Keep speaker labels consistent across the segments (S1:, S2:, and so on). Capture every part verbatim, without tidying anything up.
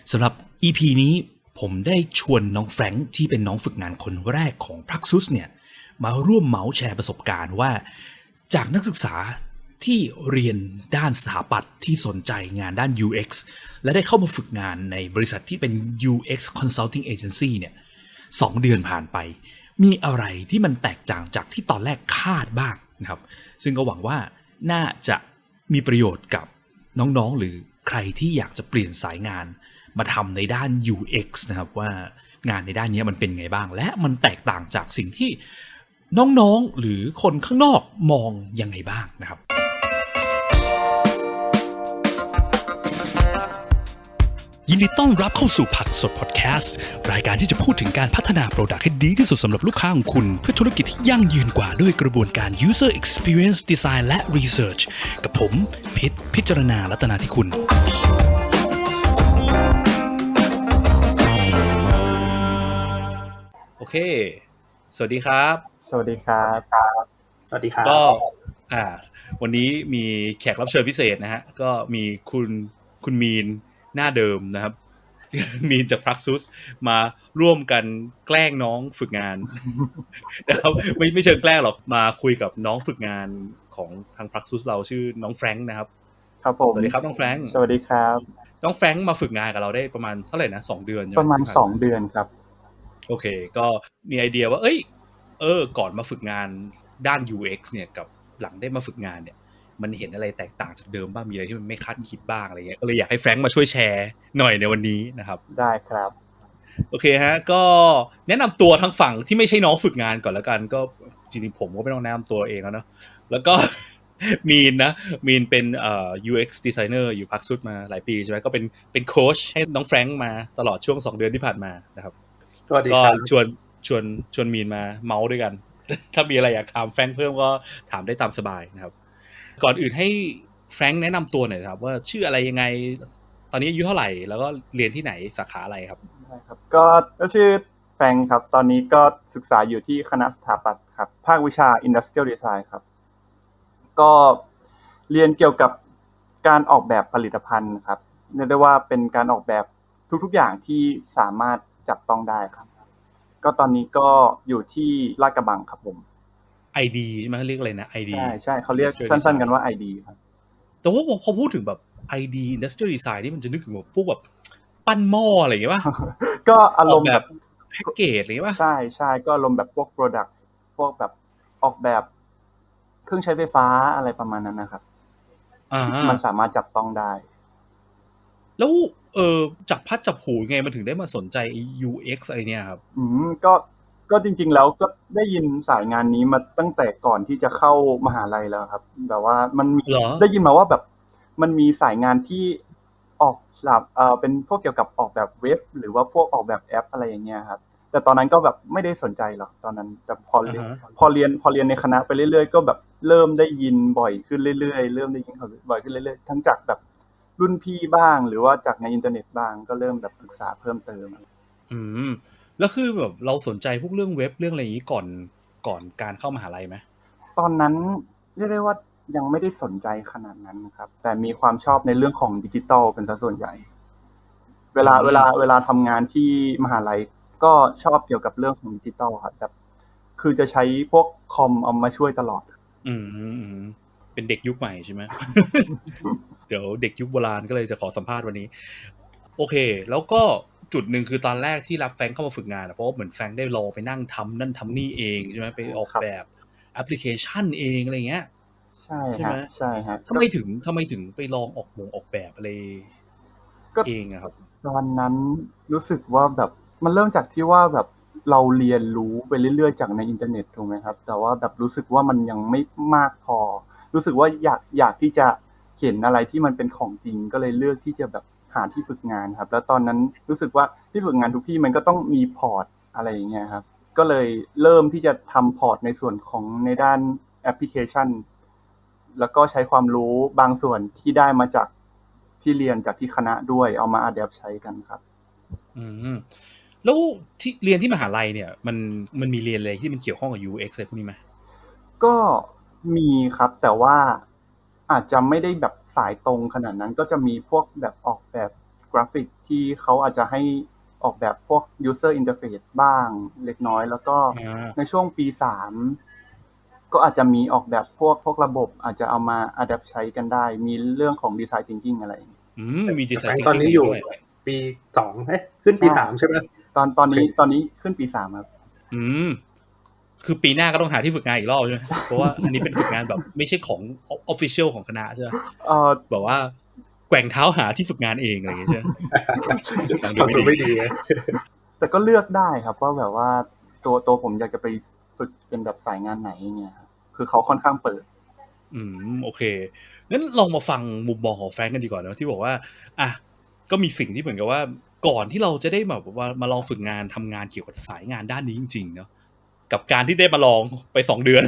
S1: สำหรับ อี พี นี้ผมได้ชวนน้องแฟรงค์ที่เป็นน้องฝึกงานคนแรกของ Praxis เนี่ยมาร่วมเมาส์แชร์ประสบการณ์ว่าจากนักศึกษาที่เรียนด้านสถาปัตย์ที่สนใจงานด้าน ยู เอ็กซ์ และได้เข้ามาฝึกงานในบริษัทที่เป็น ยู เอ็กซ์ Consulting Agency เนี่ยสองเดือนผ่านไปมีอะไรที่มันแตกต่างจากที่ตอนแรกคาดบ้างนะครับซึ่งก็หวังว่าน่าจะมีประโยชน์กับน้องๆหรือใครที่อยากจะเปลี่ยนสายงานมาทำในด้าน ยู เอ็กซ์ นะครับว่างานในด้านนี้มันเป็นไงบ้างและมันแตกต่างจากสิ่งที่น้องๆหรือคนข้างนอกมองยังไงบ้างนะครับยินดีต้อนรับเข้าสู่ผักสดพอดแคสต์รายการที่จะพูดถึงการพัฒนาโปรดักต์ให้ดีที่สุดสำหรับลูกค้าของคุณเพื่อธุรกิจที่ยั่งยืนกว่าด้วยกระบวนการ user experience design และ research กับผมพิษพิจารณารัตนาธิคุณโอเคสวัสดีครับ
S2: สวัสดีครับ
S3: สวัสดีครับ
S1: ก็อ่าวันนี้มีแขกรับเชิญพิเศษนะฮะก็มีคุณคุณมีนหน้าเดิมนะครับมีนจาก Praxis มาร่วมกันแกล้งน้องฝึกงานนะครับไม่ไม่เชิงแกล้งหรอกมาคุยกับน้องฝึกงานของทาง Praxis เราชื่อน้องแฟรงค์นะครับ
S2: ครับผม
S1: สวัสดีครับน้องแฟรงค์
S2: สวัสดีครับ
S1: น้องแฟรงค์มาฝึกงานกับเราได้ประมาณเท่าไหร่นะสองเดือนใช่มั้ย
S2: ประมาณสองเดือนครับ
S1: โอเคก็มีไอเดียว่าเอ้ยเออก่อนมาฝึกงานด้าน ยู เอ็กซ์ เนี่ยกับหลังได้มาฝึกงานเนี่ยมันเห็นอะไรแตกต่างจากเดิมบ้างมีอะไรที่มันไม่คาดคิดบ้างอะไรเงี้ยก็เลยอยากให้แฟรงค์มาช่วยแชร์หน่อยในวันนี้นะครับ
S2: ได้ครับ
S1: โอเคฮะก็แนะนำตัวทั้งฝั่งที่ไม่ใช่น้องฝึกงานก่อนแล้วกันก็จริงๆผมก็ไม่ต้องแนะนำตัวเองแล้วเนาะแล้วก็มีนนะมีนเป็นเอ่อ ยู เอ็กซ์ designer อยู่ Praxis มาหลายปีใช่ไหมก็เป็นเป็นโค้ชให้น้องแฟรงค์มาตลอดช่วงสองเดือนที่ผ่านมานะครับ
S3: สวัสดีครับ
S1: ก็ชวนชวนชวนมีนมาเมาส์ด้วยกันถ้ามีอะไรอยากถามแฟรงค์เพิ่มก็ถามได้ตามสบายนะครับก่อนอื่นให้แฟรงค์แนะนำตัวหน่อยครับว่าชื่ออะไรยังไงตอนนี้อายุเท่าไหร่แล้วก็เรียนที่ไหนสาขาอะไรครับ
S2: ได้ครับก็ก็ชื่อแฟรงค์ครับตอนนี้ก็ศึกษาอยู่ที่คณะสถาปัตย์ครับภาควิชา Industrial Design ครับก็เรียนเกี่ยวกับการออกแบบผลิตภัณฑ์ครับเรียกได้ว่าเป็นการออกแบบทุกๆอย่างที่สามารถจับต้องได้ครับก็ตอนนี้ก็อยู่ที่ลาดกระบังครับผม
S1: ไอ ดี ใช่มั้ยเรียกอะไรนะ ไอ ดี
S2: ใช่ๆเค้าเรียกสั้นๆกันว่า ไอ ดี ครับ
S1: แต่ว่าพอพูดถึงแบบ ไอ ดี Industrial Design นี่มันจะนึกถึงแบบพวกแบบปั้นหม้ออะไรอย่างงี้ป่ะ
S2: ก็อารมณ์
S1: แบบแพ็คเกจอะไรอย่างงี้ป่ะ
S2: ใช่ๆก็อารมณ์แบบพวก product พวกแบบออกแบบเครื่องใช้ไฟฟ้าอะไรประมาณนั้นนะครับ
S1: อ่า
S2: มันสามารถจับต้องได้
S1: แล้วเอ่อจับพัดจับผูไงมันถึงได้มาสนใจ ยู เอ็กซ์ อะไรเนี่ยครับ
S2: อืมก็ก็จริงๆแล้วก็ได้ยินสายงานนี้มาตั้งแต่ก่อนที่จะเข้ามหาลัยแล้วครับแบบว่ามันมีได้ยินมาว่าแบบมันมีสายงานที่ออกแบบเอ่อเป็นพวกเกี่ยวกับออกแบบเว็บหรือว่าพวกออกแบบแอปอะไรอย่างเงี้ยครับแต่ตอนนั้นก็แบบไม่ได้สนใจหรอกตอนนั้นแต่พอเรียนพอเรียนพอเรียนในคณะไปเรื่อยๆก็แบบเริ่มได้ยินบ่อยขึ้นเรื่อยๆเริ่มได้ยินเขาบ่อยขึ้นเรื่อยๆทั้งจากแบบรุ่นพี่บ้างหรือว่าจากในอินเทอร์เน็ตบ้างก็เริ่มแบบศึกษาเพิ่มเติม
S1: อืมแล้วคือแบบเราสนใจพวกเรื่องเว็บเรื่องอะไรอย่างงี้ก่อนก่อนการเข้ามหาลัยมั้ย
S2: ตอนนั้นเรียกได้ว่ายังไม่ได้สนใจขนาดนั้นครับแต่มีความชอบในเรื่องของดิจิทัลเป็นซะส่วนใหญ่เวลาเวลาเวลาทำงานที่มหาลัยก็ชอบเกี่ยวกับเรื่องของดิจิทัลครับแบบคือจะใช้พวกคอมเอามาช่วยตลอด
S1: อืมๆเป็นเด็กยุคใหม่ใช่มั้ย เดี๋ยวเด็กยุคโบราณก็เลยจะขอสัมภาษณ์วันนี้โอเคแล้วก็จุดนึงคือตอนแรกที่รับแฟรงค์เข้ามาฝึกงานเพราะว่าเหมือนแฟรงค์ได้ลองไปนั่งทำนั่นทำนี่เองใช่มั้ยไปออกแบบแอปพลิเคชันเองอะไรเงี้ย
S2: ใช่ครับใช่ครับ
S1: ทำไมถึงทำไมถึงไปลองออกมงออกแบบอะไรเองอะครับ
S2: ตอนนั้นรู้สึกว่าแบบมันเริ่มจากที่ว่าแบบเราเรียนรู้ไปเรื่อยๆจากในอินเทอร์เน็ตถูกมั้ยครับแต่ว่าแบบรู้สึกว่ามันยังไม่มากพอรู้สึกว่าอยากอยากที่จะเห็นอะไรที่มันเป็นของจริงก็เลยเลือกที่จะแบบหาที่ฝึกงานครับแล้วตอนนั้นรู้สึกว่าที่ฝึกงานทุกที่มันก็ต้องมีพอร์ตอะไรอย่างเงี้ยครับก็เลยเริ่มที่จะทำพอร์ตในส่วนของในด้านแอปพลิเคชันแล้วก็ใช้ความรู้บางส่วนที่ได้มาจากที่เรียนจากที่คณะด้วยเอามาอะแดปต์ใช้กันครับ
S1: อืมแล้วที่เรียนที่มหาลัยเนี่ยมันมันมีเรียนอะไรที่มันเกี่ยวข้องกับ ยู เอ็กซ์ อะไรพวกนี้มั้ย
S2: ก็มีครับแต่ว่าอาจจะไม่ได้แบบสายตรงขนาดนั้นก็จะมีพวกแบบออกแบบกกราฟิกที่เขาอาจจะให้ออกแบบพวก user interface บ้างเล็กน้อยแล้วก็ในช่วงปีสามก็อาจจะมีออกแบบพวกพวกระบบอาจจะเอามา adapt ใช้กันได้มีเรื่องของ design thinking อะไร
S1: อืมมี design thinking
S3: ตอนนี้อยู่ปีสองเอ๊ะขึ้นปีสามใช่ไหม
S2: ตอนตอนนี้ตอนนี้ขึ้นปีสามครับ
S1: อืมคือปีหน้าก็ต้องหาที่ฝึกงานอีกรอบใช่ไหมเพราะว่าอันนี้เป็นฝึกงานแบบไม่ใช่ของ official ของคณะใช่ไหมเออแบบว่าแกว่งเท้าหาที่ฝึกงานเองอะไรอย่างเงี้ยใช่ไหม
S3: ฟังดูไม่ดี
S2: แต่ก็เลือกได้ครับว่าแบบว่าตัวตัวผมอยากจะไปฝึกเป็นแบบสายงานไหนเงี้ยคือเขาค่อนข้างเปิด
S1: อืมโอเคงั้นลองมาฟังมุมมองของแฟรงก์กันดีกว่าเนอะที่บอกว่าอ่ะก็มีสิ่งที่เหมือนกับว่าก่อนที่เราจะได้แบบว่ามาลองฝึกงานทำงานเกี่ยวกับสายงานด้านนี้จริงๆเนอะกับการที่ได้มาลองไปสองเดือน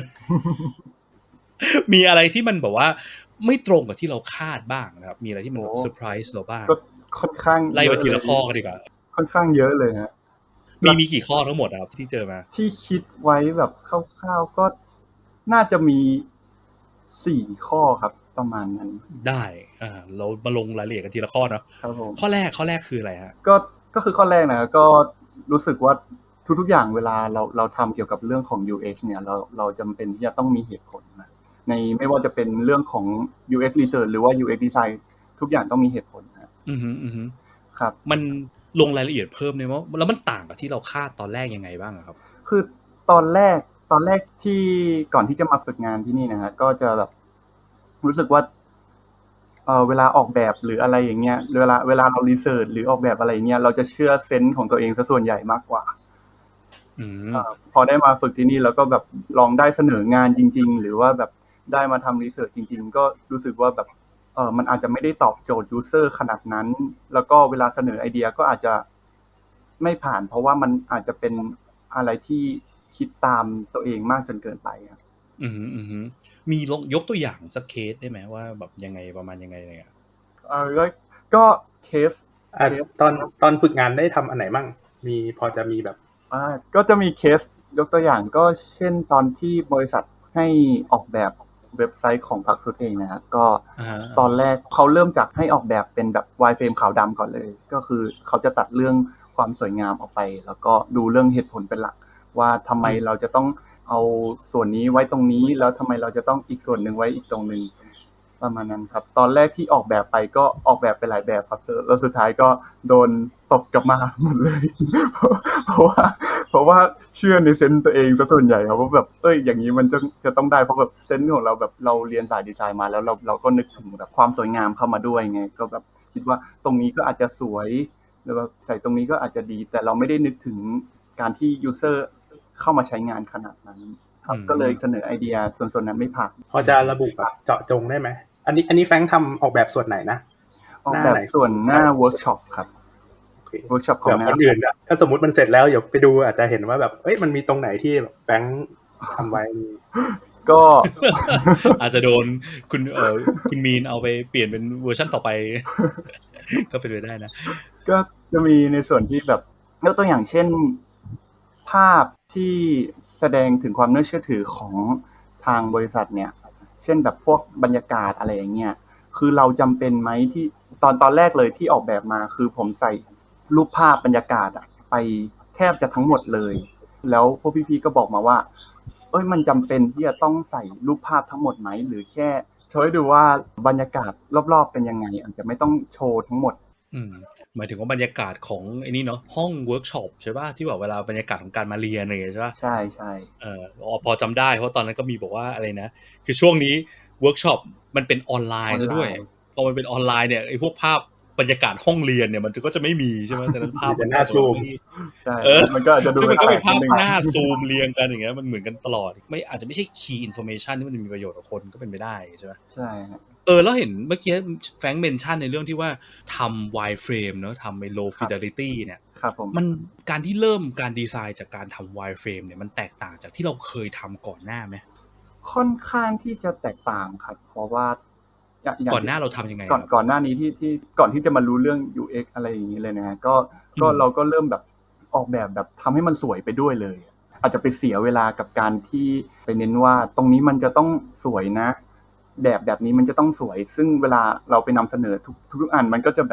S1: มีอะไรที่มันแบบว่าไม่ตรงกับที่เราคาดบ้างนะครับมีอะไรที่มันเซอร์ไพรส์เราบ้าง
S2: ก็ค่อนข้าง
S1: ไล่ไปทีละข้อกันดีกว่า
S2: ค่อนข้างเยอะเลยฮะ
S1: มีมีกี่ข้อทั้งหมดครับที่เจอมา
S2: ที่คิดไว้แบบคร่าวๆก็น่าจะมีสี่ข้อครับประมาณนั้น
S1: ได้อ่าเรามาลงรายละเอียดกันทีละข้อเนาะ
S2: ครับผม
S1: ข้อแรกข้อแรกคืออะไรฮะ
S2: ก็ก็คือข้อแรกนะก็รู้สึกว่าทุกๆอย่างเวลาเราเราทำเกี่ยวกับเรื่องของ ยู เอ็กซ์ เนี่ยเราเราจำเป็นที่จะต้องมีเหตุผลนะในไม่ว่าจะเป็นเรื่องของ ยู เอ็กซ์ Research หรือว่า ยู เอ็กซ์ Design ทุกอย่างต้องมีเหตุผลนะ
S1: อือฮึอือฮึ
S2: ครับ
S1: มันลงรายละเอียดเพิ่มเนี่ยว่าแล้วมันต่างกับที่เราคาดตอนแรกยังไงบ้างครับ
S2: คือตอนแรกตอนแรกที่ก่อนที่จะมาฝึกงานที่นี่นะฮะก็จะแบบรู้สึกว่าเออเวลาออกแบบหรืออะไรอย่างเงี้ยเวลาเวลาเรารีเสิร์ชหรือออกแบบอะไรเงี้ยเราจะเชื่อเซนส์ของตัวเองซะส่วนใหญ่มากกว่า
S1: อืม
S2: พอได้มาฝึกที่นี่แล้วก็แบบลองได้เสนองานจริงๆหรือว่าแบบได้มาทำรีเสิร์ชจริงๆก็รู้สึกว่าแบบเออมันอาจจะไม่ได้ตอบโจทย์ยูเซอร์ขนาดนั้นแล้วก็เวลาเสนอไอเดียก็อาจจะไม่ผ่านเพราะว่ามันอาจจะเป็นอะไรที่คิดตามตัวเองมากจนเกินไปครับ
S1: อืมอืมมียกตัวอย่างสักเคสได้ไหมว่าแบบยังไงประมาณยังไงเลยอ่ะ
S2: เออก็เคส
S3: อ่ะตอนตอนฝึกงานได้ทำอันไหนมั่งมีพอจะมีแบบ
S2: อ่าก็จะมีเคสยกตัวอย่างก็เช่นตอนที่บริษัทให้ออกแบบเว็บไซต์ของพรรคสุดเองนะครับก็ตอนแรกเขาเริ่มจากให้ออกแบบเป็นแบบไวร์เฟรมขาวดำก่อนเลยก็คือเขาจะตัดเรื่องความสวยงามออกไปแล้วก็ดูเรื่องเหตุผลเป็นหลักว่าทำไมเราจะต้องเอาส่วนนี้ไว้ตรงนี้แล้วทำไมเราจะต้องอีกส่วนหนึ่งไว้อีกตรงนึงประมาณนั้นครับตอนแรกที่ออกแบบไปก็ออกแบบไปหลายแบบครับแล้วสุดท้ายก็โดนตบกลับมาหมดเลยเพราะว่าเพราะว่าเชื่อในเซนส์ตัวเองซะส่วนใหญ่ครับว่าแบบเอ้ยอย่างนี้มันจะจะต้องได้เพราะแบบเซนส์ของเราแบบเราเรียนสายดีไซน์มาแล้วเราเราก็นึกถึงแบบความสวยงามเข้ามาด้วยไงก็แบบคิดว่าตรงนี้ก็อาจจะสวยหรือว่าใส่ตรงนี้ก็อาจจะดีแต่เราไม่ได้นึกถึงการที่ยูเซอร์เข้ามาใช้งานขนาดนั้นครับก็เลยเสนอไอเดียส่วนๆนั้นไม่ผ่าน
S3: พอจะระบุแบบเจาะจงได้ไหมอันนี้อันนี้แฟรงค์ทำออกแบบส่วนไหนนะ
S2: ออกแบบส่วนหน้าเวิร์กช็อปครับเวิร์กช็อปของ
S3: คนอื่นถ้าสมมุติมันเสร็จแล้วเดี๋ยวไปดูอาจจะเห็นว่าแบบเอ้ยมันมีตรงไหนที่แฟรงค์ทำไว้
S2: ก็
S1: อาจจะโดนคุณเอ่อคุณมีนเอาไปเปลี่ยนเป็นเวอร์ชั่นต่อไปก็เป็นไปได้นะ
S2: ก็จะมีในส่วนที่แบบยกตัวอย่างเช่นภาพที่แสดงถึงความน่าเชื่อถือของทางบริษัทเนี่ยเช่นแบบพวกบรรยากาศอะไรอย่างเงี้ยคือเราจำเป็นไหมที่ตอนตอนแรกเลยที่ออกแบบมาคือผมใส่รูปภาพบรรยากาศไปแทบจะทั้งหมดเลยแล้วพวกพี่ๆก็บอกมาว่าเอ้ยมันจำเป็นที่จะต้องใส่รูปภาพทั้งหมดไหมหรือแค่โชว์ให้ดูว่าบรรยากาศรอบๆเป็นยังไงอาจจะไม่ต้องโชว์ทั้งหมด
S1: อืมหมายถึงว่าบรรยากาศของไอ้นี่เนาะห้องเวิร์กช็อปใช่ป่ะที่แบบเวลาบรรยากาศของการมาเรียนอะไรใช่ป่ะ
S2: ใช่ใช่
S1: เออพอจำได้เพราะตอนนั้นก็มีบอกว่าอะไรนะคือช่วงนี้เวิร์กช็อปมันเป็นออนไลน์ซะด้วยพอมันเป็นออนไลน์เนี่ยไอ้พวกภาพบรรยากาศห้องเรียนเนี่ยมันก็จะไม่มีใช่ไหมแต่นั้นภาพ
S3: มันหน้าซูม
S2: ใช่มันก็อาจจะดู
S1: มันก็เป็นภาพหน้าซูมเรียงกันอย่างเงี้ยมันเหมือนกันตลอดไม่อาจจะไม่ใช่ key information ที่มันจะมีประโยชน์กับคนก็เป็นไปได้ใช่ไหม
S2: ใช่
S1: เออแล้วเห็นเมื่อกี้แฟรงค์เมนชั่นในเรื่องที่ว่าทำ wireframe เนอะทำไอ้ low fidelity เนี่ยมันการที่เริ่มการดีไซน์จากการทำ wireframe เนี่ยมันแตกต่างจากที่เราเคยทำก่อนหน้าไหม
S2: ค่อนข้างที่จะแตกต่างครับเพราะว่า
S1: ก่อนหน้าเราทำยังไง
S2: ก่อนก่อนหน้านี้ที่ที่ก่อนที่จะมารู้เรื่อง ยู เอ็กซ์ อะไรอย่างนี้เลยนะก็ก็เราก็เริ่มแบบออกแบบแบบทำให้มันสวยไปด้วยเลยอาจจะไปเสียเวลากับการที่ไปเน้นว่าตรงนี้มันจะต้องสวยนะแบบแบบนี้มันจะต้องสวยซึ่งเวลาเราไปนำเสนอทุกทุกอันมันก็จะแบบ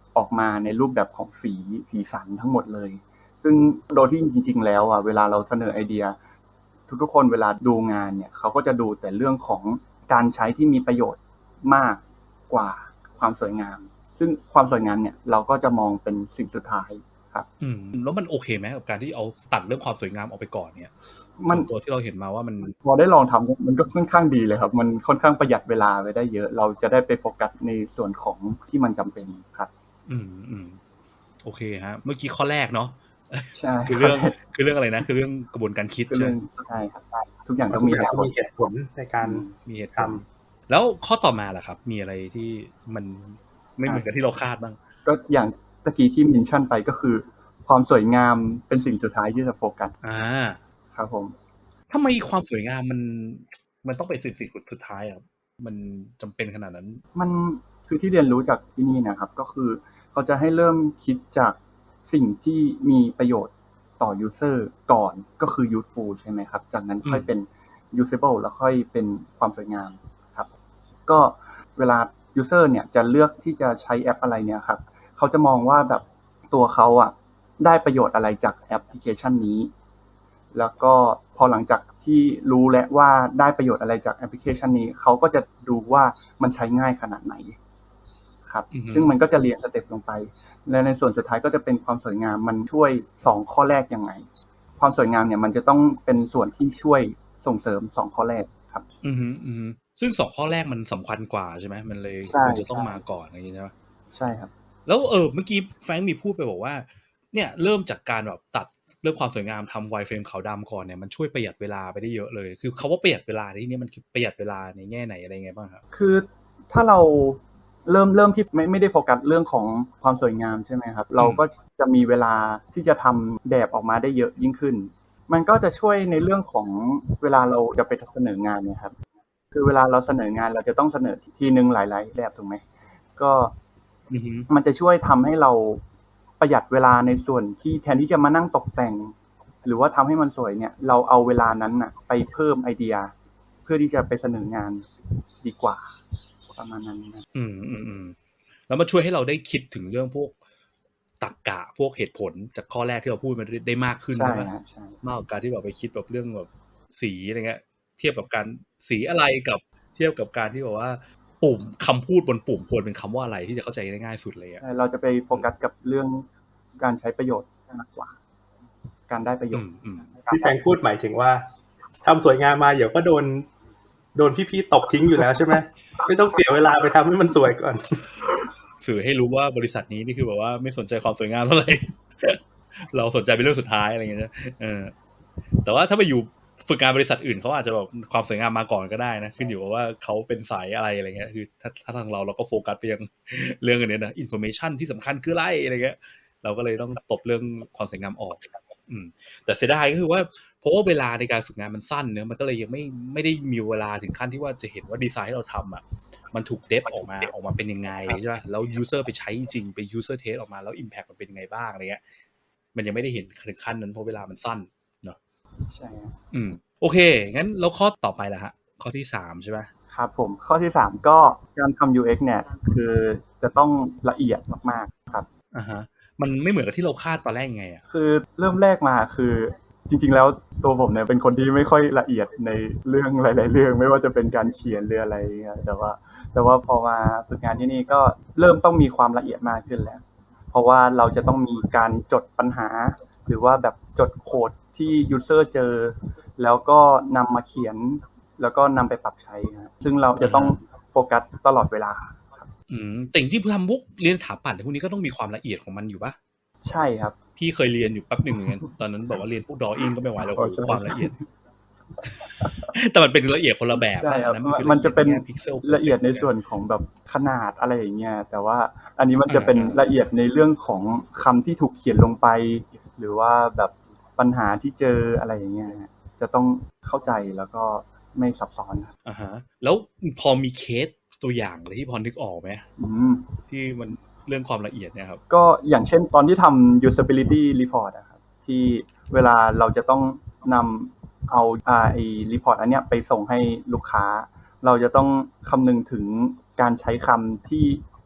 S2: ออกมาในรูปแบบของสีสีสันทั้งหมดเลยซึ่งโดยที่จริงๆแล้วอ่ะเวลาเราเสนอไอเดียทุกๆคนเวลาดูงานเนี่ยเขาก็จะดูแต่เรื่องของการใช้ที่มีประโยชน์มากกว่าความสวยงามซึ่งความสวยงามเนี่ยเราก็จะมองเป็นสิ่งสุดท้ายครับ
S1: อืมแล้วมันโอเคไหมกับการที่เอาตัดเรื่องความสวยงามออกไปก่อนเนี่ย
S2: มัน
S1: ตัวที่เราเห็นมาว่ามัน
S2: พอได้ลองทำมันก็ค่อนข้างดีเลยครับมันค่อนข้างประหยัดเวลาไปได้เยอะเราจะได้ไปโฟกัสในส่วนของที่มันจำเป็นครับ
S1: อืมอืมโอเคฮะเมื่อกี้ข้อแรกเนาะ
S2: ใช่
S1: คือเรื่องคือเรื่องอะไรนะคือเรื่องกระบวนการคิดใช่ไหม
S2: ใช่ครับทุกอย่างต้องมีเหตุผล
S3: เหตุผลในการ
S1: มีเหตุผลแล้วข้อต่อมาล่ะครับมีอะไรที่มันไม่เหมือนกับที่เราคาดบ้าง
S2: ก็อย่างตะกี้ที่เมนชั่นไปก็คือความสวยงามเป็นสิ่งสุดท้ายที่จะโฟกัส
S1: อ่า
S2: ครับผม
S1: ทำไมความสวยงามมันมันต้องเป็นสิ่งสิ่งสุดท้ายครับมันจำเป็นขนาดนั้น
S2: มันคือที่เรียนรู้จากที่นี่นะครับก็คือเขาจะให้เริ่มคิดจากสิ่งที่มีประโยชน์ต่อ user ก่อนก็คือ useful ใช่ไหมครับจากนั้นค่อยเป็น usable แล้วค่อยเป็นความสวยงามครับก็เวลา user เนี่ยจะเลือกที่จะใช้แอปอะไรเนี่ยครับเขาจะมองว่าแบบตัวเขาอ่ะได้ประโยชน์อะไรจากแอปพลิเคชันนี้แล้วก็พอหลังจากที่รู้แล้วว่าได้ประโยชน์อะไรจากแอปพลิเคชันนี้เขาก็จะดูว่ามันใช้ง่ายขนาดไหนครับ mm-hmm. ซึ่งมันก็จะเรียงสเต็ปลงไปและในส่วนสุดท้ายก็จะเป็นความสวยงามมันช่วยสองข้อแรกยังไงความสวยงามเนี่ยมันจะต้องเป็นส่วนที่ช่วยส่งเสริมสองข้อแรกครับ
S1: อือฮึอือซึ่งสองข้อแรกมันสำคัญกว่าใช่ไหมมันเลยควรจะต้องมาก่อนอะไรอย่างนี้ใช่ไหม
S2: ใช่ครับ
S1: แล้วเออเมื่อกี้แฟรงค์มีพูดไปบอกว่าเนี่ยเริ่มจากการแบบตัดเรื่องความสวยงามทำไวร์เฟรมขาวดำก่อนเนี่ยมันช่วยประหยัดเวลาไปได้เยอะเลยคือคำว่าประหยัดเวลาที่นี่มันคือประหยัดเวลาในแง่ไหนอะไรไงบ้างครับ
S2: คือถ้าเราเริ่มเริ่มที่ไม่ไม่ได้โฟกัสเรื่องของความสวยงามใช่ไหมครับเราก็จะมีเวลาที่จะทำแบบออกมาได้เยอะยิ่งขึ้นมันก็จะช่วยในเรื่องของเวลาเราจะไปเสนองานเนี่ยครับคือเวลาเราเสนองานเราจะต้องเสนอทีนึงหลายๆแบบถูกไหมก็มันจะช่วยทำให้เราประหยัดเวลาในส่วนที่แทนที่จะมานั่งตกแต่งหรือว่าทำให้มันสวยเนี่ยเราเอาเวลานั้นน่ะไปเพิ่มไอเดียเพื่อที่จะไปเสนองานดีกว่าประมาณนั้นนะ
S1: อืมอืมอืมแล้วมาช่วยให้เราได้คิดถึงเรื่องพวกตรรกะพวกเหตุผลจากข้อแรกที่เราพูดมาได้มากขึ้นใช่ไหมมากกว่าการที่แบบไปคิดแบบเรื่องแบบสีอะไรเงี้ยเทียบกับการสีอะไรกับเทียบกับการที่บอกว่าปุ่มคำพูดบนปุ่มควรเป็นคำว่าอะไรที่จะเข้าใจได้ง่ายสุดเลยอ่ะ
S2: เราจะไปโฟกัสกับเรื่องการใช้ประโยชน์มากกว่าการได้ประโยชน์
S3: ที่แฟงพูดหมายถึงว่าทำสวยงามมาเดี๋ยวก็โดนโดนพี่ๆตบทิ้งอยู่แล้วใช่ไหมไม่ต้องเสียเวลาไปทำให้มันสวยก่อน
S1: สื่อให้รู้ว่าบริษัทนี้นี่คือแบบว่าไม่สนใจความสวยงามเท่าไหร่ เราสนใจเป็นเรื่องสุดท้ายอะไรอย่างเงี้ยเออแต่ว่าถ้าไปอยู่ฝึกงานบริษัทอื่นเขาอาจจะแบบความสวยงามมาก่อนก็ได้นะขึ้นอยู่กับว่าเขาเป็นสายอะไรอะไรเงี้ยคือถ้าถ้าทางเราเราก็โฟกัสไปยังเรื่องอันนี้นะอินโฟเมชันที่สำคัญคืออะไรอะไรเงี้ยเราก็เลยต้องตบเรื่องความสวยงามออกอืมแต่เสียดายก็คือว่าเพราะว่าเวลาในการฝึกงานมันสั้นเนอะมันก็เลยยังไม่ไม่ได้มีเวลาถึงขั้นที่ว่าจะเห็นว่าดีไซน์ที่เราทำอ่ะมันถูกเดฟออกมาออกมาเป็นยังไงใช่ป่ะแล้วยูเซอร์ไปใช้จริงไปยูเซอร์เทสออกมาแล้วอิมแพคมันเป็นยังไงบ้างอะไรเงี้ยมันยังไม่ได้เห็นถึงขั้นนั้นเพราะเวลามันสั้นเนาะ
S2: ใช่
S1: อืมโอเคงั้นแล้วข้อต่อไปล่ะฮะข้อที่สามใช่ป่ะ
S2: ครับผมข้อที่สามก็การทำ ยู เอ็กซ์ เนี่ยคือจะต้องละเอียดมากๆครับ
S1: อ่าฮะมันไม่เหมือนกับที่เราคาดตอนแรกยังไงอ่ะ
S2: คือเริ่มแรกมาคือจริงๆแล้วตัวผมเนี่ยเป็นคนที่ไม่ค่อยละเอียดในเรื่องหลายๆเรื่องไม่ว่าจะเป็นการเขียนหรืออะไรเงี้ยแต่ว่าแต่ว่าพอมาฝึกงานที่นี่ก็เริ่มต้องมีความละเอียดมากขึ้นแล้วเพราะว่าเราจะต้องมีการจดปัญหาหรือว่าแบบจดโค้ดที่ยูเซอร์เจอแล้วก็นำมาเขียนแล้วก็นำไปปรับใช้นะซึ่งเราจะต้องโฟกัสตลอดเวลา
S1: อืมแต่จริงๆทำพวกเรียนสถาปัตย์พวกนี้ก็ต้องมีความละเอียดของมันอยู่ป่ะ
S2: ใช่ครับ
S1: พี่เคยเรียนอยู่แป๊บหนึ่งเหมือนกันตอนนั้นบอกว่าเรียนพวกดออิ่งก็ไม่ไหวแล้วความละเอียดแต่มันเป็นละเอียดคนละแบบ
S2: นะมันจะเป็นละเอียดในส่วนของแบบขนาดอะไรอย่างเงี้ยแต่ว่าอันนี้มันจะเป็นละเอียดในเรื่องของคำที่ถูกเขียนลงไปหรือว่าแบบปัญหาที่เจออะไรอย่างเงี้ยจะต้องเข้าใจแล้วก็ไม่ซับซ้อน
S1: อ่าฮะแล้วพอมีเคสตัวอย่างอะไรที่พอนึกออกไหมที่มันเรื่องความละเอียดเนี่ยครับ
S2: ก็อย่างเช่นตอนที่ทำ usability report นะครับที่เวลาเราจะต้องนำเอาไอ้ report อันเนี้ยไปส่งให้ลูกค้าเราจะต้องคำนึงถึงการใช้คำที่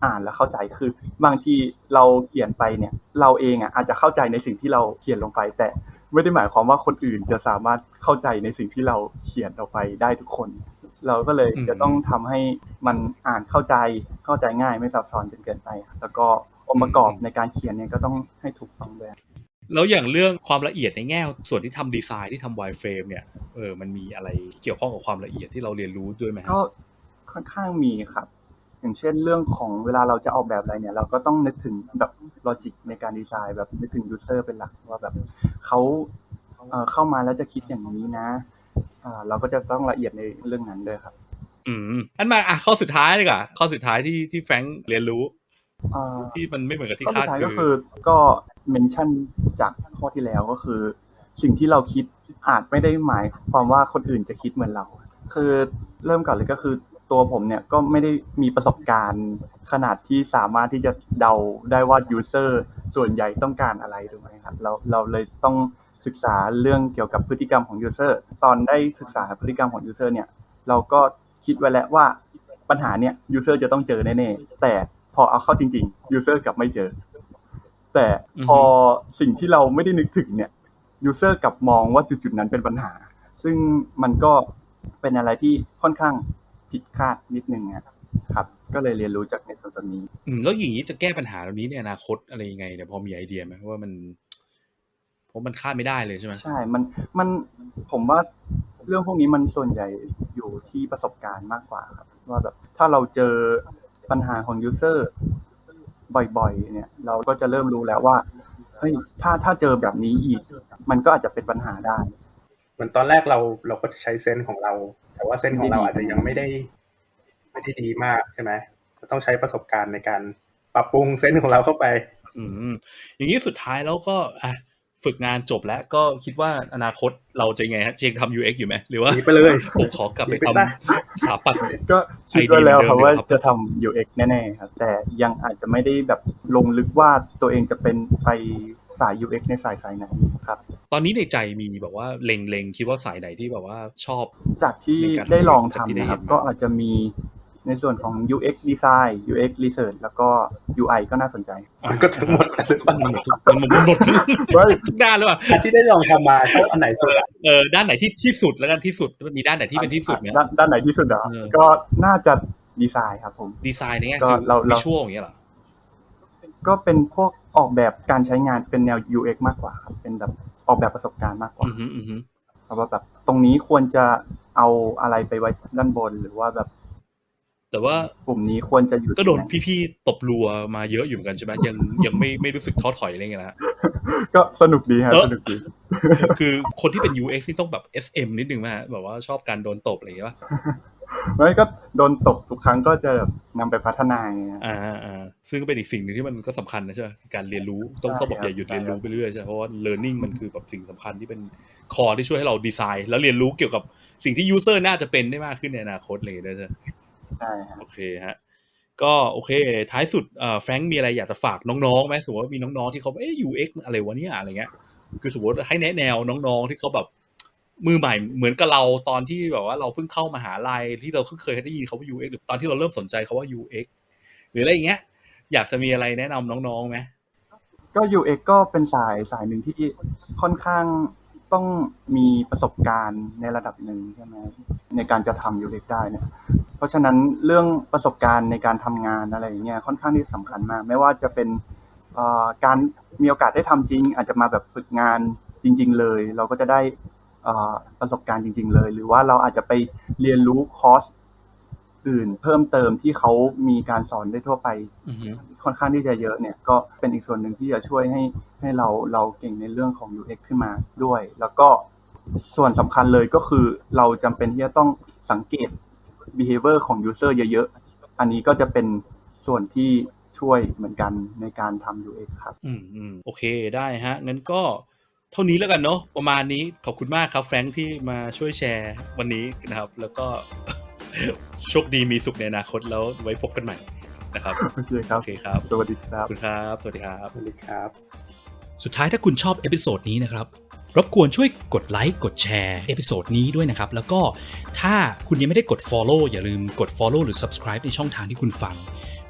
S2: อ่านแล้วเข้าใจคือบางทีเราเขียนไปเนี่ยเราเองอ่ะอาจจะเข้าใจในสิ่งที่เราเขียนลงไปแต่ไม่ได้หมายความว่าคนอื่นจะสามารถเข้าใจในสิ่งที่เราเขียนออกไปได้ทุกคนเราก็เลยจะต้องทำให้มันอ่านเข้าใจเข้าใจง่ายไม่ซับซ้อนจนเกินไปแล้วก็องค์ประกอบในการเขียนเนี่ยก็ต้องให้ถูกต้องด้วย
S1: แล้วอย่างเรื่องความละเอียดในแง่ส่วนที่ทำดีไซน์ที่ทำ wireframe เนี่ยเออมันมีอะไรเกี่ยวข้องกับความละเอียดที่เราเรียนรู้ด้วยไหม
S2: ก็ค่อนข้างมีครับอย่างเช่นเรื่องของเวลาเราจะออกแบบอะไรเนี่ยเราก็ต้องนึกถึงแบบลอจิกในการดีไซน์แบบนึกถึงยูเซอร์เป็นหลักว่าแบบเขาเอ่อเข้ามาแล้วจะคิดอย่างนี้นะอ่าเราก็จะต้องละเอียดในเรื่องนั้นด้วยครับ
S1: อืมอันมาอ่ะข้อสุดท้ายเลยก่ะข้อสุดท้ายที่ที่แฟรงค์เรียนรู้ที่มันไม่เหมือนกับที่คาดคือ
S2: ก็คือก็เมนชั่นจากข้อที่แล้วก็คือสิ่งที่เราคิดอาจไม่ได้หมายความว่าคนอื่นจะคิดเหมือนเราคือเริ่มก่อนเลยก็คือตัวผมเนี่ยก็ไม่ได้มีประสบการณ์ขนาดที่สามารถที่จะเดาได้ว่ายูเซอร์ส่วนใหญ่ต้องการอะไรถูกไหมครับเราเราเลยต้องศึกษาเรื่องเกี่ยวกับพฤติกรรมของยูเซอร์ตอนได้ศึกษาพฤติกรรมของยูเซอร์เนี่ยเราก็คิดไว้แล้วว่าปัญหาเนี่ยยูเซอร์จะต้องเจอแน่ๆแต่พอเอาเข้าจริงๆยูเซอร์กลับไม่เจอแต่พอสิ่งที่เราไม่ได้นึกถึงเนี่ยยูเซอร์กลับมองว่าจุดๆนั้นเป็นปัญหาซึ่งมันก็เป็นอะไรที่ค่อนข้างผิดคาดนิดนึงนะครับก็เลยเรียนรู้จากในส่วนนี้
S1: อืมแล้วอย่างนี้จะแก้ปัญหาเหล่านี้ในอนาคตอะไรยังไงเนี่ยพอมีไอเดียไหมว่ามันเพราะมันคาดไม่ได้เลยใช่ไหม
S2: ใช่มันมันผมว่าเรื่องพวกนี้มันส่วนใหญ่อยู่ที่ประสบการณ์มากกว่าครับว่าแบบถ้าเราเจอปัญหาของยูเซอร์บ่อยๆเนี่ยเราก็จะเริ่มรู้แล้วว่าเฮ้ยถ้าถ้าเจอแบบนี้อีกมันก็อาจจะเป็นปัญหาได้
S3: เหมือนตอนแรกเราเราก็จะใช้เซนส์ของเราแต่ว่าเซนส์ของเราอาจจะยังไม่ได้ไม่ได้ดีมากใช่ไหมจะต้องใช้ประสบการณ์ในการปรับปรุงเซนส์ของเราเข้าไป
S1: อืมอย่างนี้สุดท้ายแล้วก็อ่ะฝึกงานจบแล้วก็คิดว่าอนาคตเราจะไงฮะเชงทำ ยู เอ็กซ์ อยู่ไหมหรือว่า
S3: ไปเลย
S1: ผมขอกลับไปทำสถาปัตย์
S2: ก็คิดไว้แล้วครับว่าจะทำ ยู เอ็กซ์ แน่ๆครับแต่ยังอาจจะไม่ได้แบบลงลึกว่าตัวเองจะเป็นไปสาย ยู เอ็กซ์ ในสายสายไหนครับ
S1: ตอนนี้ในใจมีแบบว่าเล็งๆคิดว่าสายไหนที่แบบว่าชอบ
S2: จากที่ได้ลองทำนะครับก็อาจจะมีในส่วนของ ยู เอ็กซ์ Design ยู เอ็กซ์ Research แล้วก็ ยู ไอ ก็น่าสนใจ
S3: มันก็ทั้งหมดหรือเปล่า
S1: มันหมดมันหมดทุกด้านเลยว่ะ
S3: ที่ได้ลองทำมาชอบอันไหนสุด
S1: เออด้านไหนที่ที่สุดแล้วกันที่สุดมีด้านไหนที่เป็นที่สุดไหม
S2: ด้านด้านไหนที่สุดอ่ะก็น่าจะดีไซน์ครับผม
S1: ดีไซน์เนี่ยคือวิชวลอย่างเงี้ยเหรอ
S2: ก็เป็นพวกออกแบบการใช้งานเป็นแนว ยู เอ็กซ์ มากกว่าครับเป็นแบบออกแบบประสบการณ์มากกว่าเพราะว่าแบบตรงนี้ควรจะเอาอะไรไปไว้ด้านบนหรือว่าแบบ
S1: แต่ว่าก
S2: ลุ่มนี้ควรจะอยู่
S1: ก็โดนพี่ๆตบรัวมาเยอะอยู่เหมือนกันใช่ไหมยังยังไม่ไม่รู้สึกท้อถอยอะไรเงี้ยนะ
S2: ก็สนุกดีครับสนุกดี
S1: คือคนที่เป็น ยู เอ็กซ์ นี่ต้องแบบ เอส เอ็ม นิดนึงมั้ยฮะแบบว่าชอบการโดนตบอะไรอย่างเงี้ยป่ะ
S2: ไม่ก็โดนตบทุกครั้งก็จะแบบนำไปพัฒนาไง
S1: อ่าอ่าซึ่งก็เป็นอีกสิ่งนึงที่มันก็สำคัญนะใช่ไหมการเรียนรู้ต้องต้องบอกอย่าหยุดเรียนรู้ไปเรื่อยใช่เพราะว่า learning มันคือแบบสิ่งสำคัญที่เป็นคอที่ช่วยให้เราดีไซน์แล้วเรียนรู้เกี่ยวกับสิ่งที่ user น่าจะเป็นได้มากขึ้นในอนาคตเลยด้วยใช่
S2: ใช่ครับ
S1: โอเคฮะก็โอเคท้ายสุดเอ่อแฟรงค์มีอะไรอยากจะฝากน้องๆไหมสมมติว่ามีน้องๆที่เขาเอ๊ะ ยู เอ็กซ์ อะไรวะเนี่ยอะไรเงี้ยคือสมมติให้แนะแนวน้องๆที่เขาแบบมือใหม่เหมือนกับเราตอนที่แบบว่าเราเพิ่งเข้ามหาลัยที่เราเพิ่งเคยได้ยินคำว่า ยู เอ็กซ์ หรือตอนที่เราเริ่มสนใจคำว่า ยู เอ็กซ์ หรืออะไรอย่างเงี้ยอยากจะมีอะไรแนะนำน้องๆไหม
S2: ก็ ยู เอ็กซ์ ก็เป็นสายสายหนึ่งที่ค่อนข้างต้องมีประสบการณ์ในระดับหนึ่งใช่ไหมในการจะทำ ยู เอ็กซ์ ได้เนี่ยเพราะฉะนั้นเรื่องประสบการณ์ในการทำงานอะไรอย่างเงี้ยค่อนข้างที่สำคัญมากไม่ว่าจะเป็นการมีโอกาสได้ทำจริงอาจจะมาแบบฝึกงานจริงๆเลยเราก็จะได้ประสบการณ์จริงๆเลยหรือว่าเราอาจจะไปเรียนรู้คอร์สอื่นเพิ่มเติมที่เขามีการสอนได้ทั่วไป
S1: mm-hmm.
S2: ค่อนข้างที่จะเยอะเนี่ยก็เป็นอีกส่วนหนึ่งที่จะช่วยให้ให้เราเราเก่งในเรื่องของ ยู เอ็กซ์ ขึ้นมาด้วยแล้วก็ส่วนสำคัญเลยก็คือเราจำเป็นที่จะต้องสังเกต behavior ของ user เยอะๆอันนี้ก็จะเป็นส่วนที่ช่วยเหมือนกันในการทำ ยู เอ็กซ์ ครับ
S1: อืมอืมโอเคได้ฮะงั้นก็เท่านี้แล้วกันเนาะประมาณนี้ขอบคุณมากครับแฟรงค์ที่มาช่วยแชร์วันนี้นะครับแล้วก็ โชคดีมีสุขในอนาคตแล้วไว้พบกันใหม่นะครับ
S2: โอเคครับ
S1: โอเคครับ
S2: สวัสดีครับ
S1: ขอบคุณครับสวัสดีครับ
S3: สวัสดีครับ
S1: สุดท้ายถ้าคุณชอบเอพิโซดนี้นะครับรบกวนช่วยกดไลค์กดแชร์เอพิโซดนี้ด้วยนะครับแล้วก็ถ้าคุณยังไม่ได้กด follow อย่าลืมกด follow หรือ subscribe ในช่องทางที่คุณฟัง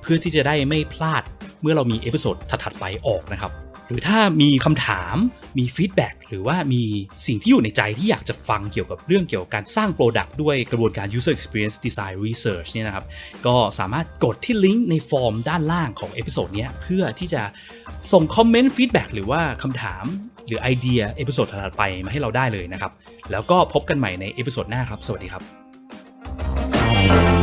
S1: เพื่อที่จะได้ไม่พลาดเมื่อเรามีเอพิโซดถัดๆไปออกนะครับหรือถ้ามีคำถามมีฟีดแบ็กหรือว่ามีสิ่งที่อยู่ในใจที่อยากจะฟังเกี่ยวกับเรื่องเกี่ยวกับการสร้าง Product ด้วยกระบวนการ User Experience Design Research เนี่ยนะครับก็สามารถกดที่ลิงก์ในฟอร์มด้านล่างของเอพิโซดนี้เพื่อที่จะส่งคอมเมนต์ฟีดแบ็กหรือว่าคำถามหรือไอเดียเอพิโซดถัดๆไปมาให้เราได้เลยนะครับแล้วก็พบกันใหม่ในเอพิโซดหน้าครับสวัสดีครับ